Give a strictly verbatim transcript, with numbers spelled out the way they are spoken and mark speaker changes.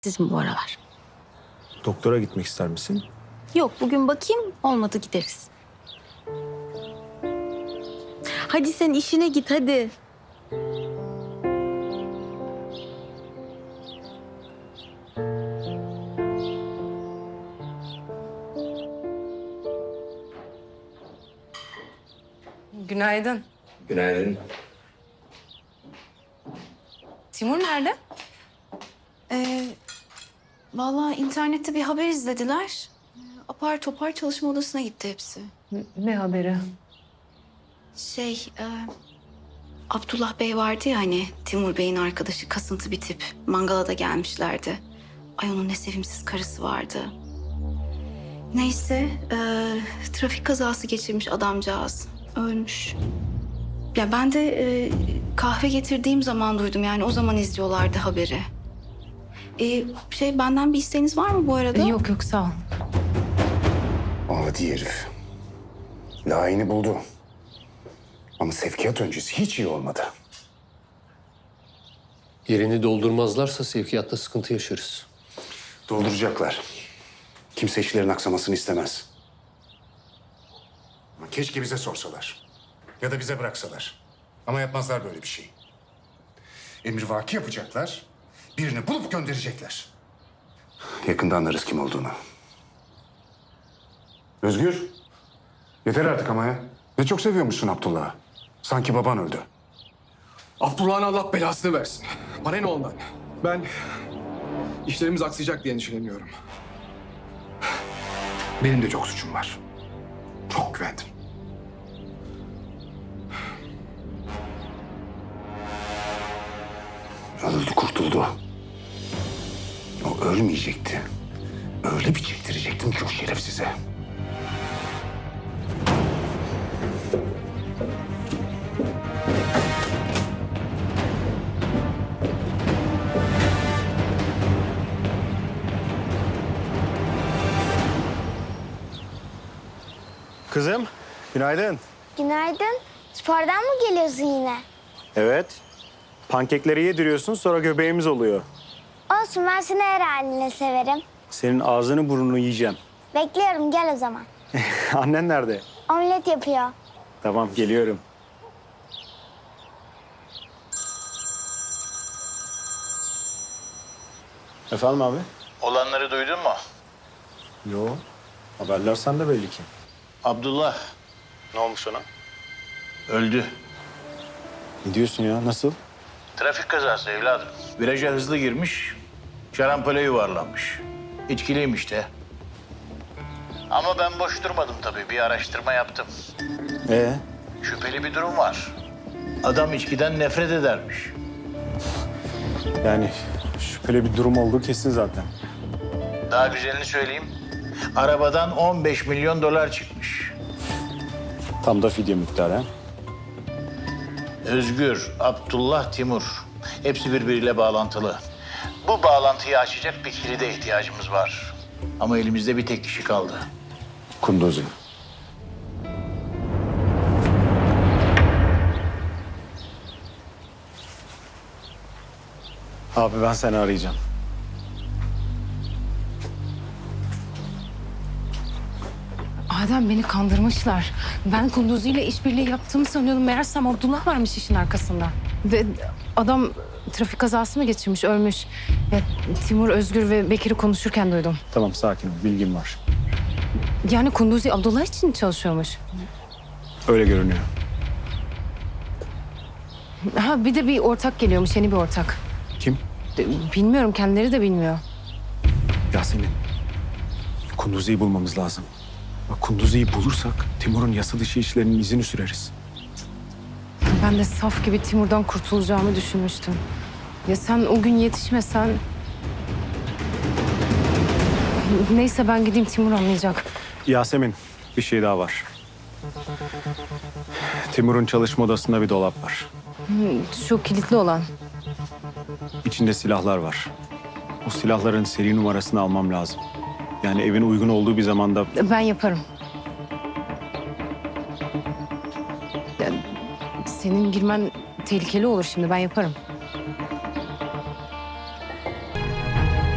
Speaker 1: Sizin bu aralar.
Speaker 2: Doktora gitmek ister misin?
Speaker 1: Yok, bugün bakayım, olmadı gideriz. Hadi sen işine git hadi.
Speaker 3: Günaydın.
Speaker 2: Günaydın.
Speaker 3: Timur nerede?
Speaker 4: Ee, vallahi internette bir haber izlediler. Ee, Apar topar çalışma odasına gitti hepsi.
Speaker 3: Ne haberi?
Speaker 4: Şey, e, Abdullah Bey vardı ya hani Timur Bey'in arkadaşı, kasıntı bir tip. Mangala da gelmişlerdi. Ay onun ne sevimsiz karısı vardı. Neyse, e, trafik kazası geçirmiş adamcağız. Ölmüş. Ya ben de e, kahve getirdiğim zaman duydum, yani o zaman izliyorlardı haberi. E, şey benden bir isteğiniz var mı bu arada?
Speaker 3: Yok yok sağ ol.
Speaker 5: Adi herif. Layığını buldu. Ama sevkiyat öncesi hiç iyi olmadı.
Speaker 6: Yerini doldurmazlarsa sevkiyatta sıkıntı yaşarız.
Speaker 5: Dolduracaklar. Kimse işlerin aksamasını istemez. Ama keşke bize sorsalar. Ya da bize bıraksalar. Ama yapmazlar böyle bir şey. Emrivaki yapacaklar. Birini bulup gönderecekler. Yakında anlarız kim olduğunu. Özgür. Yeter artık ama ya. Ne çok seviyormuşsun Abdullah'ı. Sanki baban öldü.
Speaker 7: Abdullah'ın Allah belasını versin. Bana ne ondan? Ben işlerimiz aksayacak diye endişeleniyorum.
Speaker 5: Benim de çok suçum var. Çok güvendim. Öldü, kurtuldu. O ölmeyecekti. Öyle bir çektirecektim ki o şerefsize.
Speaker 2: Kızım, günaydın.
Speaker 8: Günaydın. Spordan mı geliyorsun yine?
Speaker 2: Evet. Pankekleri yediriyorsun, sonra göbeğimiz oluyor.
Speaker 8: Olsun, ben seni her haline severim.
Speaker 2: Senin ağzını burnunu yiyeceğim.
Speaker 8: Bekliyorum, gel o zaman.
Speaker 2: Annen nerede?
Speaker 8: Omlet yapıyor.
Speaker 2: Tamam, geliyorum. Efendim abi?
Speaker 9: Olanları duydun mu?
Speaker 2: Yo. Haberler sende belli ki.
Speaker 9: Abdullah
Speaker 2: Ne olmuş ona?
Speaker 9: öldü.
Speaker 2: Ne diyorsun ya? Nasıl?
Speaker 9: Trafik kazası evladım. Viraja hızlı girmiş, şarampole yuvarlanmış. İçkiliymiş de. Ama ben boş durmadım tabii. Bir araştırma yaptım.
Speaker 2: Ee?
Speaker 9: Şüpheli bir durum var. Adam içkiden nefret edermiş.
Speaker 2: Yani şüpheli bir durum olduğu kesin zaten.
Speaker 9: Daha güzelini söyleyeyim. Arabadan on beş milyon dolar çıkmış.
Speaker 2: Tam da fidye miktarı ha?
Speaker 9: Özgür, Abdullah, Timur. Hepsi birbiriyle bağlantılı. Bu bağlantıyı açacak bir kilide ihtiyacımız var. Ama elimizde bir tek kişi kaldı.
Speaker 5: Kunduzi.
Speaker 2: Abi ben seni arayacağım.
Speaker 3: Adem beni kandırmışlar. Ben Kunduzi ile işbirliği yaptığımı sanıyordum. Meğersem Abdullah varmış işin arkasında. Ve adam trafik kazası mı geçirmiş, ölmüş. Ya, Timur, Özgür ve Bekir'i konuşurken duydum.
Speaker 2: Tamam, sakin ol. Bilgim var.
Speaker 3: Yani Kunduzi Abdullah için çalışıyormuş.
Speaker 2: Öyle görünüyor.
Speaker 3: Ha bir de bir ortak geliyormuş, yeni bir ortak.
Speaker 2: Kim?
Speaker 3: De- Bilmiyorum, kendileri de bilmiyor.
Speaker 2: Yasemin. Kunduzi'yi bulmamız lazım. Bak, Kunduzi'yi bulursak Timur'un yasa dışı işlerinin izini süreriz.
Speaker 3: Ben de saf gibi Timur'dan kurtulacağımı düşünmüştüm. Ya sen o gün yetişmesen... Neyse ben gideyim, Timur anlayacak.
Speaker 2: Yasemin, bir şey daha var. Timur'un çalışma odasında bir dolap var.
Speaker 3: Şu kilitli olan.
Speaker 2: İçinde silahlar var. O silahların seri numarasını almam lazım. Yani evin uygun olduğu bir zamanda...
Speaker 3: Ben yaparım. Ya, senin girmen tehlikeli olur şimdi, ben yaparım.